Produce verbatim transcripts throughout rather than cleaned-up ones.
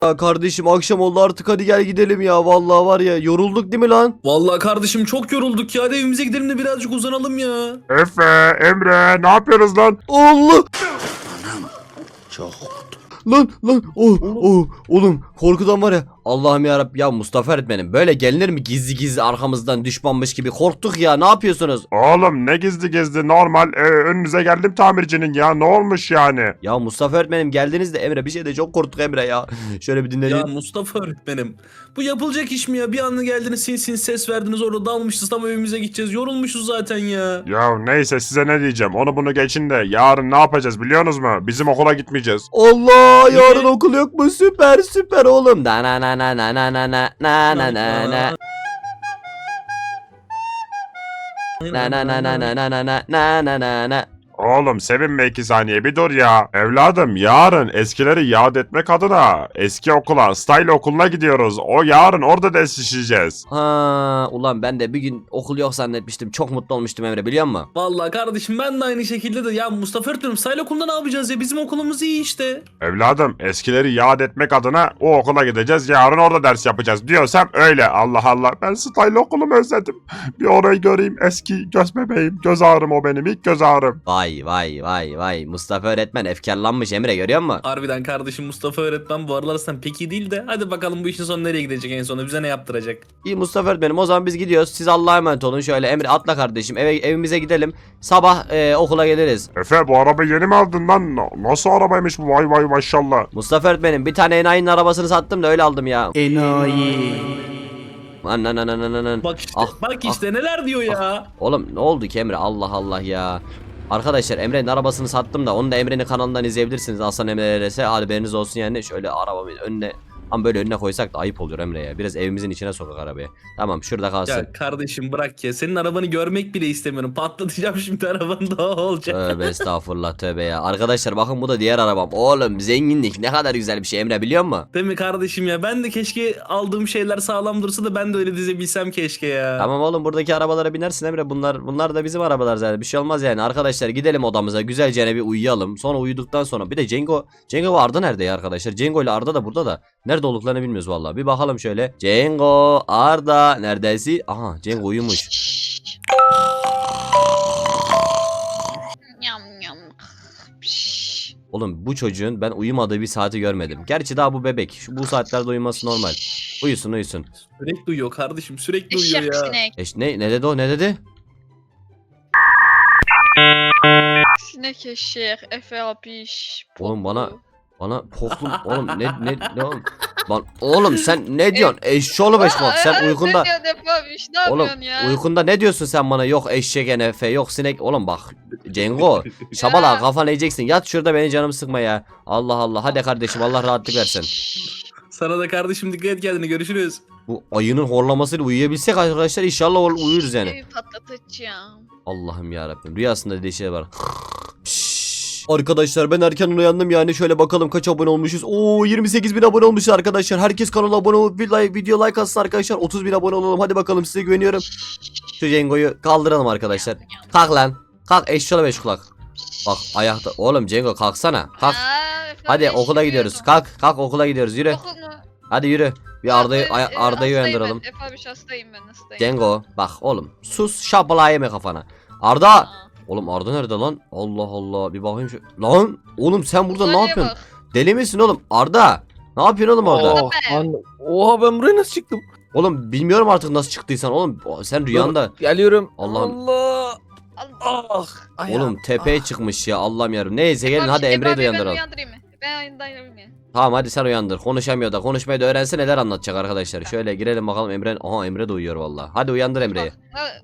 Ya kardeşim akşam oldu artık, hadi gel gidelim ya. Vallahi var ya, yorulduk değil mi lan? Vallahi kardeşim çok yorulduk ya. Hadi evimize gidelim de birazcık uzanalım ya. Efe, Emre ne yapıyorsunuz lan? Allah! Çok. Lan lan oh, oh, oğlum korkudan var ya, Allah'ım yarabbim. Ya Mustafa öğretmenim, böyle gelinir mi gizli gizli arkamızdan düşmanmış gibi? Korktuk ya, ne yapıyorsunuz? Oğlum ne gizli gizli normal ee, önünüze geldim tamircinin ya, ne olmuş yani? Ya Mustafa öğretmenim geldiniz de Emre, bir şey de çok korktuk Emre ya. Şöyle bir dinleyin. Ya Mustafa öğretmenim. Bu yapılacak iş mi ya? Bir anda geldiniz sin sin ses verdiniz, orada dalmışız, tam evimize gideceğiz. Yorulmuşuz zaten ya. Ya neyse, size ne diyeceğim, onu bunu geçin de yarın ne yapacağız biliyorsunuz mu? Bizim okula gitmeyeceğiz. Allah, yarın okul yok mu? Süper süper oğlum. Na na na na na na na na na na na na. Na na na na na na na na na na na na. Oğlum sevinme, iki saniye bir dur ya. Evladım yarın eskileri yad etmek adına eski okula, style okuluna gidiyoruz. O yarın orada ders işleyeceğiz. Ha, ulan ben de bir gün okul yok zannetmiştim. Çok mutlu olmuştum Emre, biliyor musun? Vallahi kardeşim ben de aynı şekilde de ya Mustafa öğretmenim sahil okulunda ne yapacağız ya? Bizim okulumuz iyi işte. Evladım eskileri yad etmek adına o okula gideceğiz. Yarın orada ders yapacağız diyorsam öyle. Allah Allah, ben style okulumu özledim. Bir orayı göreyim, eski göz bebeğim. Göz ağrım o benim, ilk göz ağrım. Vay vay vay vay. Mustafa öğretmen efkarlanmış Emre, görüyor musun? Harbiden kardeşim Mustafa öğretmen bu aralar sen pek iyi değil de hadi bakalım bu işin sonu nereye gidecek, en sonunda bize ne yaptıracak? İyi Mustafa öğretmenim, o zaman biz gidiyoruz. Siz Allah'a emanet olun. Şöyle Emre atla kardeşim, eve evimize gidelim. Sabah e, okula geliriz. Efe, bu arabayı yeni mi aldın lan? Nasıl arabaymış bu? Vay vay maşallah. Mustafa öğretmenim, bir tane enayinin arabasını sattım da öyle aldım ya. Enayi. Lan lan lan lan lan lan. Bak işte Ah, bak işte neler diyor ya. Oğlum ne oldu ki Emre, Allah Allah ya. Arkadaşlar Emre'nin arabasını sattım da onu da Emre'nin kanalından izleyebilirsiniz. Aslan Emre R S, haberiniz olsun yani. Şöyle arabamın önüne, ama böyle önüne koysak da ayıp olur Emre ya. Biraz evimizin içine sokak arabayı. Tamam, şurada kalsın. Ya kardeşim bırak ya, senin arabanı görmek bile istemiyorum, patlatacağım şimdi arabanı, daha olacak. Tövbe estağfurullah, tövbe ya. Arkadaşlar bakın, bu da diğer arabam. Oğlum zenginlik ne kadar güzel bir şey Emre, biliyor musun? Değil mi kardeşim ya, ben de keşke aldığım şeyler sağlam dursa da ben de öyle dizebilsem keşke ya. Tamam oğlum, buradaki arabalara binersin Emre. Bunlar bunlar da bizim arabalar zaten. Bir şey olmaz yani. Arkadaşlar gidelim odamıza, güzelce bir uyuyalım. Sonra uyuduktan sonra bir de Cengo Cengo ve Arda nerede ya arkadaşlar? Cengo ile Arda da burada da. Nerede olduklarını bilmiyoruz vallahi. Bir bakalım şöyle. Cengo, Arda neredesin? Aha, Cengo uyumuş. Yam yam. Piş. Oğlum bu çocuğun ben uyumadığı bir saati görmedim. Gerçi daha bu bebek. Şu bu saatlerde uyuması normal. Uyusun uyusun. Sürekli uyuyor kardeşim, sürekli uyuyor Eşek ya. sinek. Eş, ne ne dedi o, ne dedi? Sinek eşek. Efe apiş. Oğlum bana Bana poklum oğlum, ne ne ne oğlum? Lan oğlum sen ne diyorsun? Eşşoğlu beşmak, sen uykunda. Ne diyorsun Efe apiş? Ne Oğlum yapıyorsun ya? uykunda ne diyorsun sen bana? Yok eşek enefe, yok sinek. Oğlum bak Cengo, şabala Ya. kafana yiyeceksin. Yat şurada, beni canımı sıkma ya. Allah Allah, hadi kardeşim, Allah rahatlık versin. Sana da kardeşim, dikkat et kendine, görüşürüz. Bu ayının horlamasıyla uyuyabilsek arkadaşlar, inşallah uy- uyuruz yani. Evi patlatacağım. Allah'ım yarabbim, rüyasında dediği şey var. Pişş. Arkadaşlar ben erken uyandım yani. Şöyle bakalım kaç abone olmuşuz. Oo, yirmi sekiz bin abone olmuşuz arkadaşlar. Herkes kanala abone olup bir like, video like atsın arkadaşlar. otuz bin abone olalım, hadi bakalım, size güveniyorum. Şu Cengo'yu kaldıralım arkadaşlar. Kalk lan. Kalk eşşoğlu beş kulak. Bak ayakta. Oğlum Cengo kalksana. Kalk. Aa, Efe Hadi apiş, okula gidiyoruz. yürüyorum. Kalk. Kalk okula gidiyoruz. Yürü. Okul mu? Hadi yürü. Bir Arda'yı Abi, Ay- e, Arda'yı hastayım uyandıralım. ben. Efe apiş hastayım ben, hastayım. Cengo bak oğlum. Sus, şapala yeme kafana. Arda. Aa. Oğlum Arda nerede lan? Allah Allah, bir bakayım şu. Lan oğlum sen burada ne Uzaylıya yapıyorsun? bak. Deli misin oğlum? Arda. Ne yapıyorsun oğlum orada? Aa. Oh, lan, oha ben buraya nasıl çıktım? Oğlum bilmiyorum artık nasıl çıktıysan oğlum. Sen rüyanda. Dur, geliyorum. Allah'ım. Allah. Allah. Ah. ayağım. Oğlum tepeye Ah. çıkmış ya, Allah'ım yarabbim. Neyse gelin Efe hadi apiş, Emre'yi de Efe abi, ben uyandıralım. uyandırayım mı? Ben uyandırayım mı? Tamam hadi sen uyandır. Konuşamıyor da, konuşmayı da öğrense neler anlatacak arkadaşlar. Şöyle girelim bakalım Emre. Aha Emre de uyuyor vallahi. Hadi uyandır Emre'yi. Bak,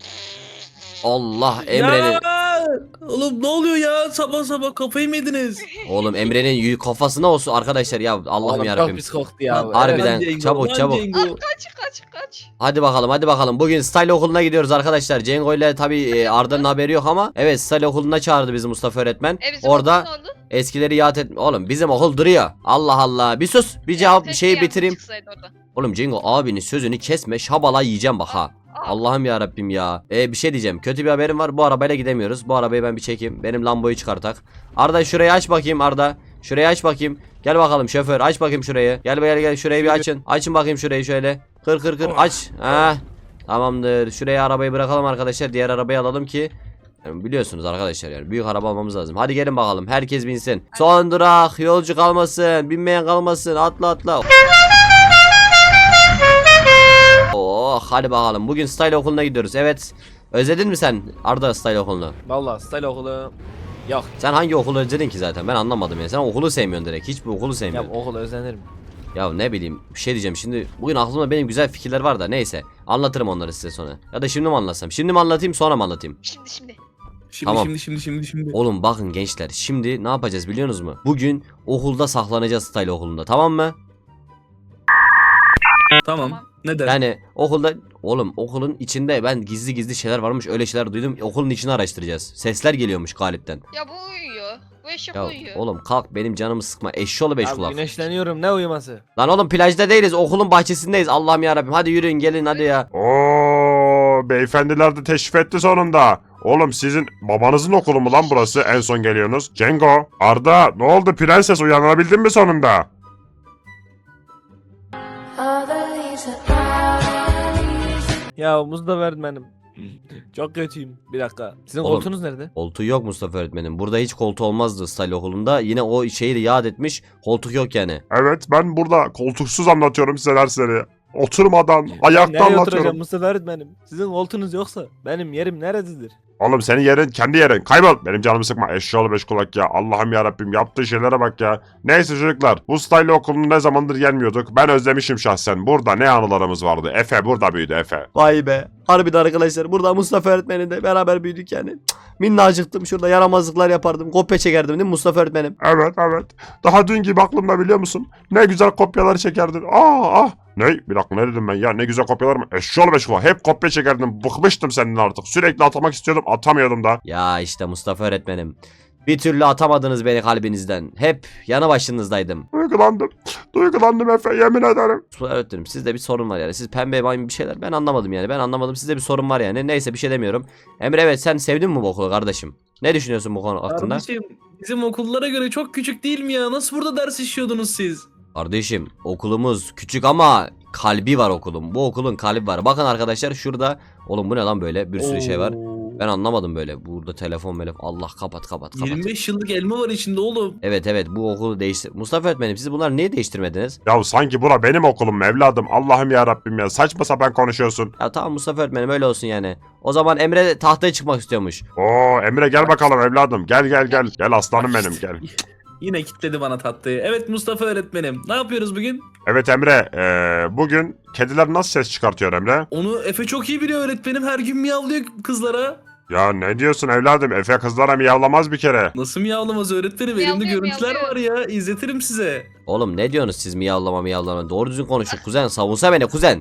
Allah, Emre'nin. Ya! Oğlum ne oluyor ya, sabah sabah kafayı mı yediniz? Oğlum Emre'nin yü- kafasına olsun arkadaşlar ya, Allah'ım Oğlum, yarabbim. Çok pis koktu ya. Lan, Harbiden, lan Cengo, çabuk, lan çabuk. Cengo. Aa, kaç kaç kaç. Hadi bakalım hadi bakalım. Bugün Style okuluna gidiyoruz arkadaşlar. Cengo ile tabii e, Arda'nın haberi yok ama evet, Style okuluna çağırdı bizi Mustafa öğretmen. E, bizim Orada okul ne oldu? eskileri yad et. Oğlum bizim okul duruyor. Allah Allah. Bir sus. Bir cevap bir Keşke şeyi yangın bitireyim. çıksaydı orada. Oğlum Cengo abinin sözünü kesme. Şabala yiyeceğim bak ha. Aa, Allah'ım ya Rabbim ya. E bir şey diyeceğim. Kötü bir haberim var. Bu arabayla gidemiyoruz. Bu arabayı ben bir çekeyim. Benim Lambo'yu çıkartak. Arda şurayı aç bakayım Arda. Şurayı aç bakayım. Gel bakalım şoför aç bakayım şurayı. Gel gel gel şurayı bir açın. Açın bakayım şurayı şöyle. Kır kır kır aç. Ha. Tamamdır. Şuraya arabayı bırakalım arkadaşlar. Diğer arabayı alalım ki yani biliyorsunuz arkadaşlar yani büyük araba almamız lazım. Hadi gelin bakalım. Herkes binsin. Son durak. Yolcu kalmasın. Binmeyen kalmasın. Atla atla. Oh hadi bakalım. Bugün style okuluna gidiyoruz. Evet. Özledin mi sen Arda style okulunu? Vallahi style okulu yok. Sen hangi okulu özledin ki zaten? Ben anlamadım ya. Sen okulu sevmiyorsun direkt. Hiçbir okulu Ya sevmiyorsun. okula özenirim. Ya ne bileyim bir şey diyeceğim şimdi bugün aklımda benim güzel fikirler var da neyse anlatırım onları size sonra. Ya da şimdi mi anlatsam? Şimdi mi anlatayım sonra mı anlatayım? Şimdi şimdi. Şimdi Tamam. şimdi şimdi şimdi şimdi. Oğlum bakın gençler şimdi ne yapacağız biliyorsunuz mu? Bugün okulda saklanacağız style okulunda tamam mı? Tamam. Tamam. Ne dersin? Yani okulda oğlum okulun içinde ben gizli gizli şeyler varmış öyle şeyler duydum okulun içini araştıracağız. Sesler geliyormuş galipten. Ya bu uyuyor. Bu eşek Ya uyuyor. oğlum kalk benim canımı sıkma eşşoğlu beş Abi kulak. güneşleniyorum ne uyuması? Lan oğlum plajda değiliz okulun bahçesindeyiz Allah'ım yarabbim hadi yürüyün gelin hadi ya. Oo, beyefendiler de teşrif etti sonunda. Oğlum sizin babanızın okulu mu lan burası? En son geliyorsunuz. Cengo, Arda ne oldu prenses uyanabildin mi sonunda? Ya muz da öğretmenim. Çok kötüyüm. Bir dakika. Sizin Oğlum. koltuğunuz nerede? Koltuğu yok Mustafa öğretmenim. Burada hiç koltuğu olmazdı style okulunda. Yine o şeyi de yad etmiş. Koltuk yok yani. Evet ben burada koltuksuz anlatıyorum size dersleri. Oturmadan, Nereye ayakta oturacağım anlatıyorum. Mustafa öğretmenim? Sizin koltuğunuz yoksa benim yerim neresidir? Oğlum senin yerin kendi yerin. Kaybol. Benim canımı sıkma. Eşşoğlu beş kulak ya. Allah'ım yarabbim yaptığı şeylere bak ya. Neyse çocuklar. Bu style okulunu ne zamandır gelmiyorduk. Ben özlemişim şahsen. Burada ne anılarımız vardı. Efe burada büyüdü Efe. Vay be. Harbiden arkadaşlar. Burada Mustafa öğretmenimle de beraber büyüdük yani. Cık, minnacıktım. Şurada yaramazlıklar yapardım. Kopya çekerdim değil mi Mustafa öğretmenim? Evet evet. Daha dün gibi aklımda biliyor musun? Ne güzel kopyalar çekerdin. Aa ah. Ne? Bir dakika ne dedim ben ya? Ne güzel kopyalar mı? Eşşoğlu beş kulak. Hep kopya çekerdim. Bıkmıştım senin artık. Sürekli atmak istiyordum. Atamıyordum da. Ya işte Mustafa öğretmenim. Bir türlü atamadınız beni kalbinizden. Hep yanı başınızdaydım. Duygulandım. Duygulandım Efe. Yemin ederim. Mustafa öğretmenim sizde bir sorun var yani. Siz pembe maymun bir şeyler. Ben anlamadım yani. Ben anlamadım. Sizde bir sorun var yani. Neyse bir şey demiyorum. Emre evet sen sevdin mi bu okulu kardeşim? Ne düşünüyorsun bu konu hakkında? Kardeşim bizim okullara göre çok küçük değil mi ya? Nasıl burada ders işliyordunuz siz? Kardeşim okulumuz küçük ama kalbi var okulun. Bu okulun kalbi var. Bakın arkadaşlar şurada. Oğlum bu ne lan böyle bir sürü şey var. Oo. Ben anlamadım böyle. Burada telefon melef. Allah kapat kapat kapat. yirmi beş yıllık elma var içinde oğlum. Evet evet bu okulu değiştir. Mustafa öğretmenim siz bunları niye değiştirmediniz? Ya sanki bura benim okulum evladım. Allah'ım ya Rabbim ya. Saçma sapan konuşuyorsun. Ya tamam Mustafa öğretmenim öyle olsun yani. O zaman Emre tahtaya çıkmak istiyormuş. Oo Emre gel bakalım evladım. Gel gel gel. Gel aslanım benim gel. Yine kitledi bana tatlıyı. Evet Mustafa öğretmenim. Ne yapıyoruz bugün? Evet Emre. eee, bugün kediler nasıl ses çıkartıyor Emre? Onu Efe çok iyi biliyor öğretmenim. Her gün miyavlıyor kızlara. Ya ne diyorsun evladım? Efe kızlara miyavlamaz bir kere. Nasıl miyavlamaz öğretmenim? Elimde Miyavlıyor, görüntüler miyavlıyor. var ya. İzletirim size. Oğlum ne diyorsunuz siz miyavlama miyavlama. Doğru düzgün konuşun kuzen. Savunsa beni kuzen.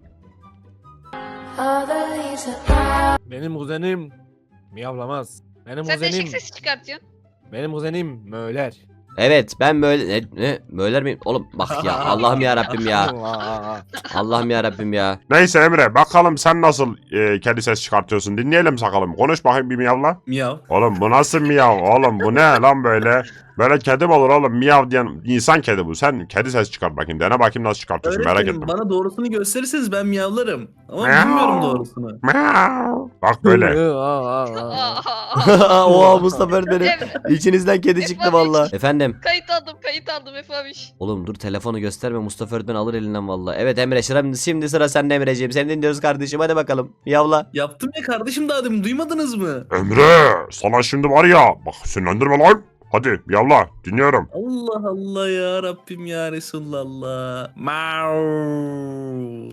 Benim kuzenim miyavlamaz. Benim Sen de eşek kuzenim, sesi çıkartıyorsun. benim kuzenim möler. Evet ben böyle ne, ne böyler miyim? Oğlum bak ya Allah'ım ya Rabbim ya. Aa, Allah'ım ya Rabbim ya. Neyse Emre bakalım sen nasıl eee, kedi ses çıkartıyorsun. Dinleyelim bakalım. Konuş bakayım bir miyavla. Miyav. Oğlum bu nasıl miyav? Oğlum bu ne lan böyle? Böyle kedi mi olur oğlum? Miyav diyen insan kedi bu. Sen kedi ses çıkart bakayım. Dene bakayım nasıl çıkartıyorsun merak Öğretmenim ettim. bana doğrusunu gösterirseniz ben miyavlarım. Ama Miyav. bilmiyorum doğrusunu. Miyav. Bak böyle. aa, aa, aa. Aa. Oha Mustafa öğretmenim. Emre, İçinizden kedi çıktı valla. Efendim. kayıt aldım kayıt aldım Efe abiş. Oğlum dur telefonu gösterme Mustafa öğretmen alır elinden valla. Evet Emre şimdi, şimdi sıra sende Emreciğim. Seni dinliyoruz kardeşim hadi bakalım. Miyavla. Yaptım ya kardeşim daha demin duymadınız mı? Emre sana şimdi var ya. Bak sinirlendirme lan. Hadi yavla dinliyorum. Allah Allah ya Rabbim ya Resulallah. Mau.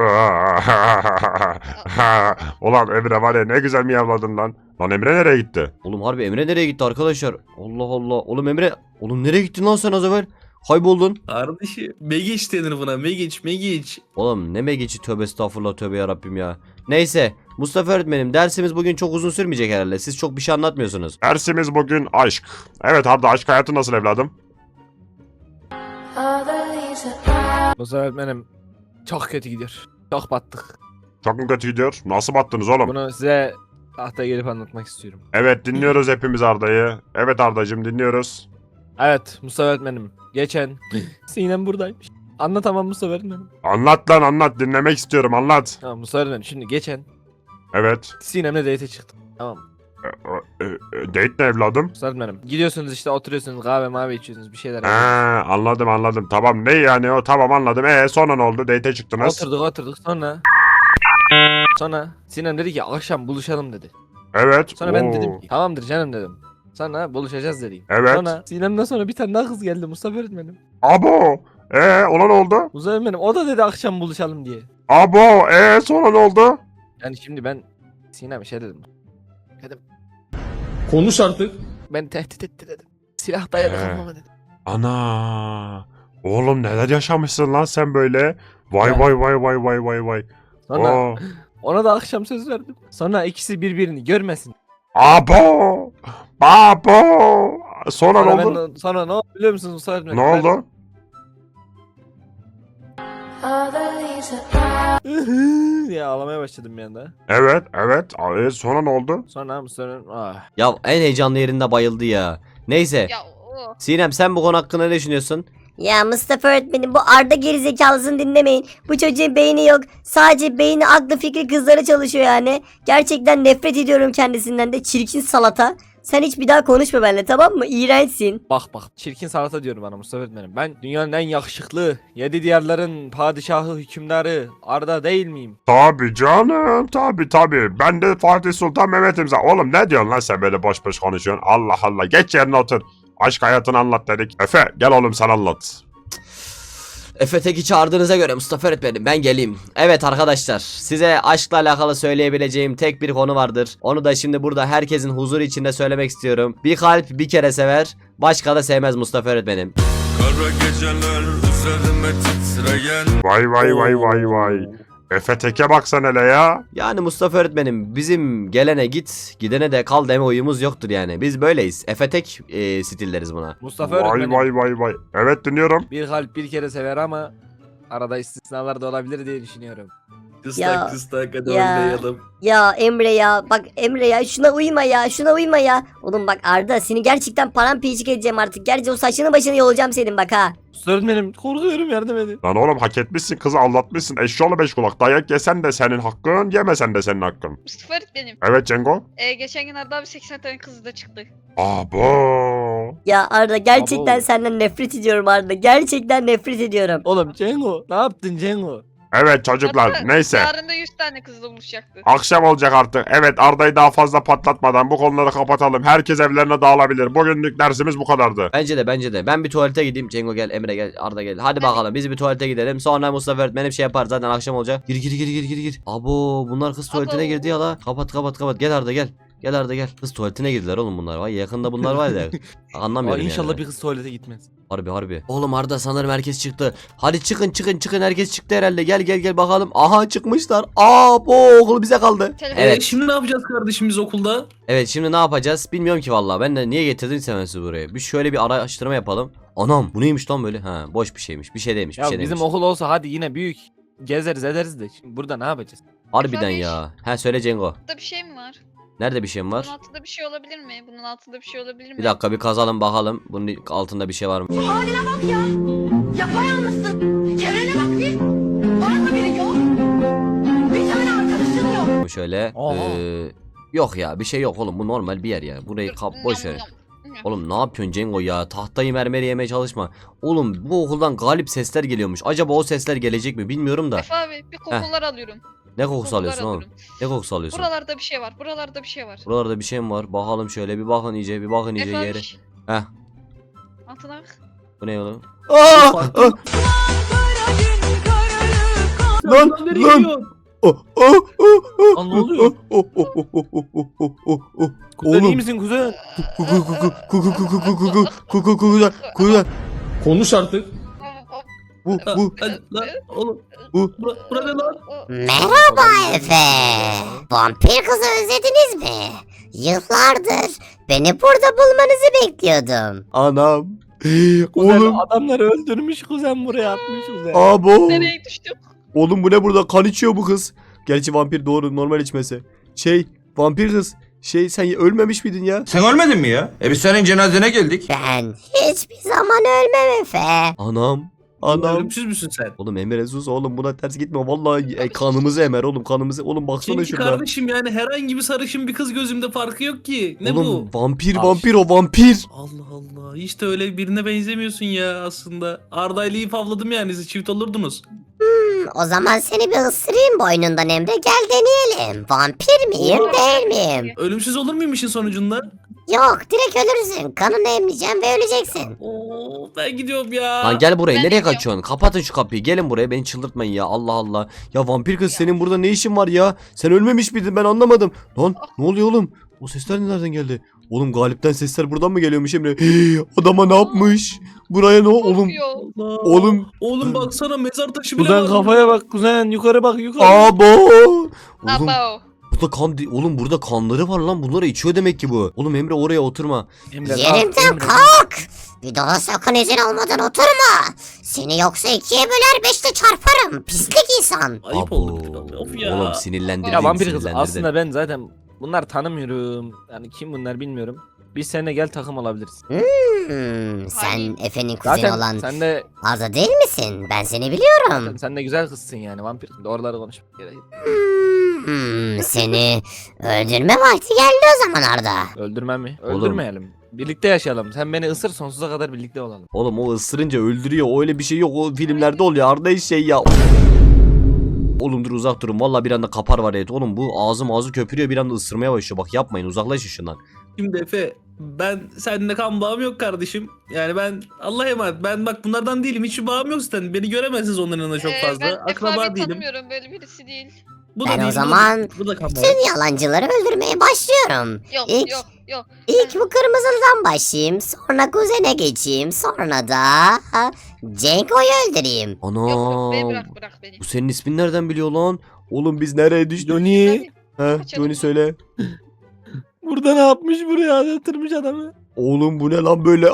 Ulan Emre var ya ne güzel miyavladın lan. Lan Emre nereye gitti? Oğlum harbi Emre nereye gitti arkadaşlar? Allah Allah. Oğlum Emre. Oğlum nereye gittin lan sen az evvel? Kayboldun. Kardeşim Megiç denir buna Megiç Megiç. Oğlum ne megici tövbe estağfurullah tövbe yarabbim ya. Neyse Mustafa öğretmenim dersimiz bugün çok uzun sürmeyecek herhalde. Siz çok bir şey anlatmıyorsunuz. Dersimiz bugün aşk. Evet Arda aşk hayatı nasıl evladım? Mustafa öğretmenim çok kötü gidiyor. Çok battık. Çok mu kötü gidiyor? Nasıl battınız oğlum? Bunu size tahtaya gelip anlatmak istiyorum. Evet dinliyoruz hepimiz Arda'yı. Evet Arda'cığım dinliyoruz. Evet Mustafa öğretmenim. Geçen Sinem buradaymış. Anlatamam Mustafa öğretmenim. Anlat lan anlat dinlemek istiyorum anlat. Tamam Mustafa öğretmenim şimdi geçen Evet. Sinem'le date çıktım. Tamam mı? E, e, e, date ne evladım? Mustafa öğretmenim. Gidiyorsunuz işte oturuyorsunuz kahve mavi içiyorsunuz bir şeyler Ha, yapıyorsunuz. anladım anladım. Tamam ne yani o tamam anladım. E sonra ne oldu? Date'e çıktınız. Oturduk oturduk sonra. Sonra Sinem dedi ki akşam buluşalım dedi. Evet. Sonra ben Oo. dedim ki tamamdır canım dedim. Sonra buluşacağız dedim. Evet. Sonra Sinem'den sonra bir tane daha kız geldi Mustafa öğretmenim. Abo. E ona ne oldu? Mustafa öğretmenim o da dedi akşam buluşalım diye. Abo. E sonra ne oldu? Yani şimdi ben Sinem şey dedim. Dedim Konuş artık. ben tehdit etti dedim. Silah dayalı He. kalmama dedim. Ana. Oğlum neler yaşamışsın lan sen böyle? Vay Ya. vay vay vay vay vay vay. Sonra Oo. ona da akşam söz verdim. Sonra ikisi birbirini görmesin. Abo. Babo. Sonra, Sonra, ne oldu? ben, sonra ne oldu biliyor musunuz Mustafa öğretmenim? Ne oldu? Ben... ya ağlamaya başladım bir anda. Evet evet. E, sonra ne oldu? Sonra Mustafa öğretmenim ah. Ya en heyecanlı yerinde bayıldı ya. Neyse. Ya o. Sinem sen bu konu hakkında ne düşünüyorsun? Ya Mustafa öğretmenim bu Arda gerizekalısını dinlemeyin. Bu çocuğun beyni yok. Sadece beyni aklı fikri kızlara çalışıyor yani. Gerçekten nefret ediyorum kendisinden de. Çirkin salata. Sen hiç bir daha konuşma benimle tamam mı? İğrençsin. Bak bak çirkin salata diyorum bana Mustafa öğretmenim. Ben dünyanın en yakışıklı, yedi diyarların padişahı, hükümdarı Arda değil miyim? Tabi canım tabi tabi. Ben de Fatih Sultan Mehmet'im zaten. Oğlum ne diyorsun lan sen böyle boş boş konuşuyorsun? Allah Allah geç yerine otur. Aşk hayatını anlat dedik. Efe gel oğlum sen anlat. Efe Tek'i çağırdığınıza göre Mustafa öğretmenim ben geleyim. Evet arkadaşlar size aşkla alakalı söyleyebileceğim tek bir konu vardır. Onu da şimdi burada herkesin huzuru içinde söylemek istiyorum. Bir kalp bir kere sever, başka da sevmez Mustafa öğretmenim. Kara geceler üzerime titreyen Vay vay vay vay vay. Efe Tek'e baksan hele ya. Yani Mustafa öğretmenim bizim gelene git, gidene de kal deme uyumuz yoktur yani. Biz böyleyiz. Efe Tek e, stilleriz buna. Mustafa Vay öğretmenim. vay vay vay. Evet dinliyorum. Bir kalp bir kere sever ama arada istisnalar da olabilir diye düşünüyorum. Kıstak Ya, kıstak hadi ya. oynayalım. Ya Emre ya bak Emre ya şuna uyma ya şuna uyma ya. Oğlum bak Arda seni gerçekten paramparçık edeceğim artık. Gerçi o saçını başını yolacağım senin bak ha. Mustafa öğretmenim korkuyorum yardım edin. Lan oğlum hak etmişsin kızı aldatmışsın. Eşşoğlu beş kulak. Dayak yesen de senin hakkın yemesen de senin hakkın. Mustafa öğretmenim. Evet Cengo. E, geçen gün Arda abi seksen tane kızı da çıktı. Abo. Ya Arda gerçekten Abo. senden nefret ediyorum Arda. Gerçekten nefret ediyorum. Oğlum Cengo ne yaptın Cengo? Evet çocuklar Hatta neyse. Yarın da yüz tane kızla buluşacaktı. Akşam olacak artık. Evet Arda'yı daha fazla patlatmadan bu konuları kapatalım. Herkes evlerine dağılabilir. Bugünlük dersimiz bu kadardı. Bence de bence de. Ben bir tuvalete gideyim. Cengo gel, Emre gel, Arda gel. Hadi bakalım biz bir tuvalete gidelim. Sonra Mustafa öğretmenim şey yapar zaten akşam olacak. Gir gir gir gir gir gir. Abo bunlar kız tuvaletine Abo. girdi ya la. Kapat kapat kapat. Gel Arda gel. Gel Arda gel. Kız tuvaletine girdiler oğlum bunlar. Vay yakında bunlar var ya. Aa, Anlamıyorum inşallah yani. bir kız tuvalete gitmez. Harbi harbi. Oğlum Arda sanırım herkes çıktı. Hadi çıkın çıkın çıkın herkes çıktı herhalde. Gel gel gel bakalım. Aha çıkmışlar. Aa bu okul bize kaldı. Telefon- Evet. Evet. Şimdi ne yapacağız kardeşim biz okulda? Evet şimdi ne yapacağız? Bilmiyorum ki vallahi. Ben de niye getirdin ben sizi buraya? Bir şöyle bir araştırma yapalım. Anam bu neymiş lan böyle? Ha boş bir şeymiş. Bir şey değilmiş. Bir Ya şey bizim değilmiş. okul olsa hadi yine büyük. Gezeriz ederiz de şimdi burada ne yapacağız? Harbiden Efendim? ya. Ha söyle Cengo. Burada bir şey mi var? Nerede bir şeyim var? Bunun altında bir şey olabilir mi? Bunun altında bir şey olabilir mi? Bir dakika bir kazalım bakalım. Bunun altında bir şey var mı? Yapayalnızsın. Çevrene bak bir. Var mı biri yok? Bir tane arkadaşın yok. Bu şöyle. Aha. Ee, yok ya bir şey yok oğlum. Bu normal bir yer ya. Burayı kap boş ver. Oğlum ne yapıyorsun Cengo ya? Tahtayı mermeri yemeye çalışma. Oğlum bu okuldan galip sesler geliyormuş. Acaba o sesler gelecek mi bilmiyorum da. Efe abi bir kokular alıyorum. Ne kokusu Kokular alıyorsun oğlum? alıyorum. Ne kokusu alıyorsun? Buralarda bir şey var. Buralarda bir şey var. Buralarda bir şey mi var? Bakalım şöyle bir bakın iyice bir bakın iyice Efe yere. abi. Heh. Altına bak. Bu ne oğlum? Aa! Aa! Lan Lan nereye lan. gidiyorsun? Oh, oh, oh, oh, Lan ne oluyor? oh, oh, oh, oh, oh, oh, oh, oh, oh. Kuzen iyi Oğlum. misin kuzen? Ku- ku- ku- ku- ku- ku- ku- ku- ku- ku- ku- ku- kuzen, kuzen. Konuş artık. Bu Ha, bu hadi lan oğlum. bu. Bura, bura ne lan? Merhaba Efe. Vampir kızı özlediniz mi? Yıllardır beni burada bulmanızı bekliyordum. Anam. Kuzen Oğlum. adamları öldürmüş kuzen buraya atmış kuzen. Abo. Nereye düştüm? Oğlum bu ne burada? Kan içiyor bu kız. Gerçi vampir doğru normal içmesi. Şey vampir kız. Şey sen ölmemiş miydin ya? Sen ölmedin mi ya? E biz senin cenazene geldik. Ben hiçbir zaman ölmem Efe. Anam. Oğlum, Anam. ölümsüz müsün sen? Oğlum Emre sus oğlum buna ters gitme vallahi e, kanımızı emer oğlum kanımızı oğlum baksana Çünkü şurada. kardeşim yani herhangi bir sarışın bir kız gözümde farkı yok ki. Ne Oğlum bu? vampir Abi. vampir o vampir. Allah Allah. Hiç de öyle birine benzemiyorsun ya aslında. Arda'yla iyi favladım yani siz çift olurdunuz. O zaman seni bir ısırayım boynundan Emre, gel deneyelim. Vampir miyim değil miyim? Ölümsüz olur muyum işin sonucunda? Yok, direkt ölürsün. Kanını emleyeceğim ve öleceksin. Oo, ben gidiyorum ya. Lan gel buraya Ben nereye gidiyorum. kaçıyorsun? Kapatın şu kapıyı gelin buraya beni çıldırtmayın ya Allah Allah. Ya vampir kız senin burada ne işin var ya? Sen ölmemiş miydin ben anlamadım. Lan ne oluyor oğlum? O sesler nereden geldi? Oğlum Galip'ten sesler buradan mı geliyormuş Emre? Hii, adama ne yapmış? Buraya ne oğlum? Korkuyor. Allah. Oğlum. Oğlum baksana mezar taşı bile Kuzen var. kafaya bak kuzen yukarı bak yukarı. Abo. Oğlum Abo. burada kan di- oğlum burada kanları var lan bunları içiyor demek ki bu. Oğlum Emre oraya oturma. Emre, kalk, Yerimden Emre. kalk. Bir daha sakın izin olmadan oturma. Seni yoksa ikiye böler beşte çarparım. Pislik insan. Ayıp Abo. oldu. Of ya. Oğlum sinirlendirdin Ya vampir kız sinirlendirdin. aslında ben zaten bunlar tanımıyorum. Yani kim bunlar bilmiyorum. Biz seninle gel takım olabiliriz. Hmm, sen Hayır. Efe'nin kuzeni Zaten olan sen de Arda değil misin? Ben seni biliyorum. zaten sen de güzel kızsın yani vampir. Doğruları konuş. Gerek yok. Hmm, seni öldürme vakti geldi o zaman Arda. Öldürmem mi? Oğlum. Öldürmeyelim. Birlikte yaşayalım. Sen beni ısır sonsuza kadar birlikte olalım. Oğlum o ısırınca öldürüyor. O öyle bir şey yok. O filmlerde oluyor. Arda şey ya. Oğlum dur uzak durun. Vallahi bir anda kapar var evet. Oğlum bu ağzım ağzı köpürüyor bir anda ısırmaya başlıyor. Bak yapmayın uzaklaşın şundan. Şimdi Efe ben seninle kan bağım yok kardeşim. Yani ben Allah'a emanet. Ben bak bunlardan değilim. Hiçbir bağım yok zaten. Beni göremezsiniz onların yanında çok Ee, fazla. Ben Akraba Efe değilim. tanımıyorum böyle birisi değil. Bu Ben o değil, bu da- zaman bu da kan bağım. Tüm yalancıları öldürmeye başlıyorum. Yok İlk, yok yok. ilk bu kırmızıdan başlayayım. Sonra kuzene geçeyim. Sonra da Cenko'yu öldüreyim. Ana. Yok yok beni bırak bırak beni. Bu senin ismin nereden biliyor lan? Oğlum biz nereye düştük? Johnny. He, Kaçalım Johnny mı? söyle. Burada ne yapmış buraya? Yatırmış adamı. Oğlum bu ne lan böyle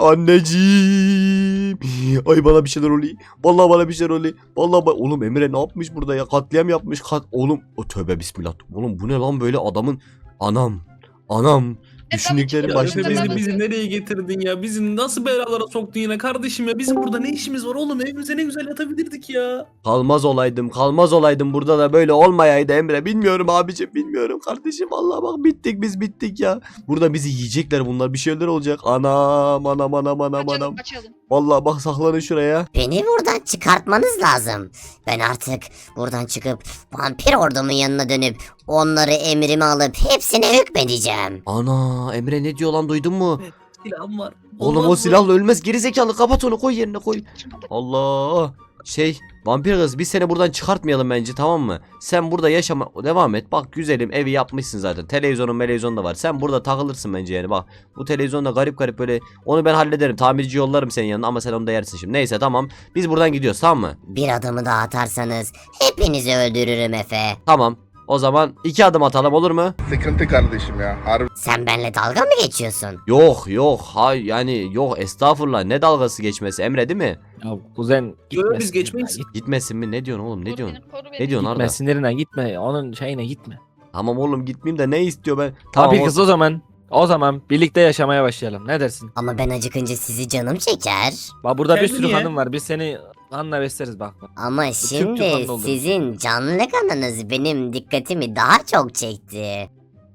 anneciğim. Ay bana bir şeyler oluyor. Vallahi bana bir şeyler oluyor. Vallahi ba- oğlum Emre ne yapmış burada ya? Katliam yapmış. Kat oğlum o tövbe bismillah. Oğlum bu ne lan böyle adamın anam. Anam. Düşündüklerim Ya başka Efe bir bizi, yere. bizi nereye getirdin ya? Bizi nasıl belalara soktun yine kardeşim ya? Bizim burada ne işimiz var oğlum? Evimize ne güzel yatabilirdik ya. Kalmaz olaydım, kalmaz olaydım burada da böyle olmayaydı Emre. Bilmiyorum abicim, bilmiyorum kardeşim. Vallahi bak bittik biz bittik ya. Burada bizi yiyecekler bunlar. Bir şeyler olacak. Anam, anam, anam, anam, Kaçalım anam. kaçalım. Vallahi bak saklanın şuraya. Beni buradan çıkartmanız lazım. Ben artık buradan çıkıp vampir ordumun yanına dönüp onları emrime alıp hepsine hükmedeceğim. Ana, Emre ne diyor lan duydun mu? Silahım var. Oğlum Olmaz o mı? silahla ölmez. Geri zekalı kapat onu koy yerine koy. Allah. Şey vampir kız biz seni buradan çıkartmayalım bence tamam mı? Sen burada yaşama devam et. Bak güzelim evi yapmışsın zaten. Televizyonun televizyonun da var. Sen burada takılırsın bence yani bak. Bu televizyonda garip garip böyle. Onu ben hallederim. Tamirci yollarım senin yanına ama sen onu da yersin şimdi. Neyse tamam. Biz buradan gidiyoruz tamam mı? Bir adımı daha atarsanız hepinizi öldürürüm Efe. Tamam. O zaman iki adım atalım olur mu? Sıkıntı kardeşim ya. Harbi. Sen benimle dalga mı geçiyorsun? Yok yok. Hay yani yok estağfurullah. Ne dalgası geçmesi Emre değil mi? Ya kuzen gitmesin. biz geçmeyiz. ya, git- Gitmesin mi? Ne diyorsun oğlum? Ne Koru diyorsun? beni, koru beni. Ne diyorsun Gitme Arda? sinirine gitme. Onun şeyine gitme. Tamam oğlum gitmeyeyim de ne istiyor ben? Tamam, Tamam, o- kız o zaman. O zaman birlikte yaşamaya başlayalım. Ne dersin? Ama ben acıkınca sizi canım çeker. Bak burada bir Kendi sürü niye? kanım var. Biz seni kanla besleriz bak. bak. Ama Türk şimdi kanlı olur. sizin canlı kanınız benim dikkatimi daha çok çekti.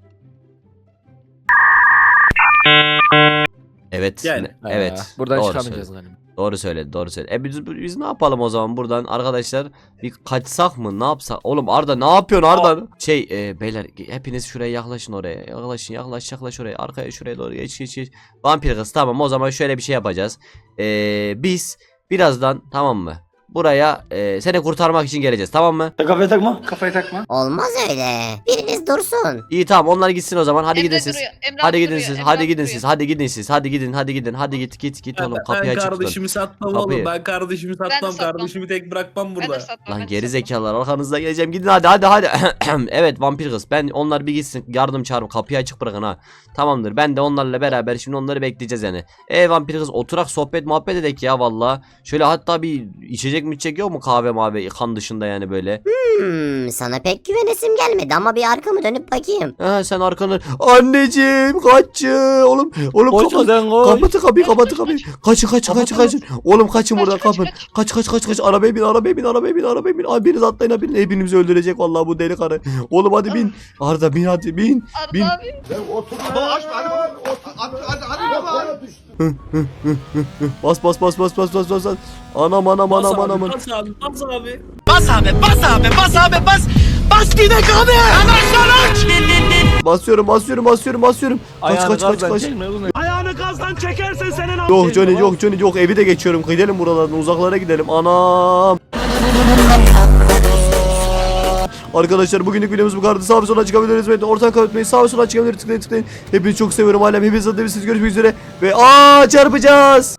Evet. Yani. ne- evet. Ee, buradan doğru çıkamayacağız söyledi. galiba. Doğru söyledi, doğru söyledi. E biz, biz ne yapalım o zaman buradan arkadaşlar? Bir kaçsak mı? Ne yapsak? Oğlum Arda ne yapıyorsun Arda? Şey e, beyler hepiniz şuraya yaklaşın oraya. Yaklaşın yaklaş yaklaş oraya. Arkaya şuraya doğru geç geç geç. Vampir kız tamam o zaman şöyle bir şey yapacağız. E, biz birazdan tamam mı? Buraya e, seni kurtarmak için geleceğiz tamam mı? Kafayı takma. Kafayı takma. Olmaz öyle. Biriniz dursun. İyi tamam onlar gitsin o zaman. Hadi Emre gidin siz. duruyor, Emre Hadi duruyor, gidin siz. Emre Hadi gidin duruyor. siz. Hadi gidin siz. Hadi gidin. Hadi gidin. Hadi git git git oğlum Ben, kapıyı ben açık tutun. kardeşimi satmam Kapıyı. oğlum. Ben kardeşimi de satmam. satmam. Kardeşimi tek bırakmam Ben de burada. satmam, ben Lan de geri satmam. zekalar arkanızdan geleceğim gidin hadi hadi hadi. Evet vampir kız ben onlar bir gitsin yardım çağırıp kapıyı açık bırakın ha. Tamamdır ben de onlarla beraber şimdi onları bekleyeceğiz yani. E vampir kız oturak sohbet muhabbet edek ya valla. Şöyle hatta bir içecek içecek mi içecek yok mu kahve mavi kan dışında yani böyle. Hmm, sana pek güvenesim gelmedi ama bir arkamı dönüp bakayım. Ha sen arkanı anneciğim kaç oğlum oğlum Koş kapat sen koş. kapatı kapıyı kapatı kapıyı kaçın kaçın kaçın kaçın oğlum kaçın buradan kaç, kapın kaç kaç kaç kaç arabaya bin arabaya bin arabaya bin arabaya bin abi biriniz atlayın abi hepinizi öldürecek vallahi bu deli karı oğlum hadi bin Arda bin hadi bin Arda bin abi. bas bas bas bas bas bas bas bas. Anam anam Bas anam abi, anam bas abi, bas abi. basıyorum basıyorum basıyorum basıyorum kaç Ayağını kaç kaç gazdan kaç çekme oğlum. yok Johnny yok Johnny yok evi de geçiyorum gidelim buralardan uzaklara gidelim anam. Arkadaşlar bugünlük videomuz bu kadar. Sağ ve sola çıkabiliriz ve ortadan kapatmayı sağ ve sola çıkabiliriz tıklayın tıklayın. Hepinizi çok seviyorum. Alem hepiniz adına görüşmek üzere ve aa çarpacağız.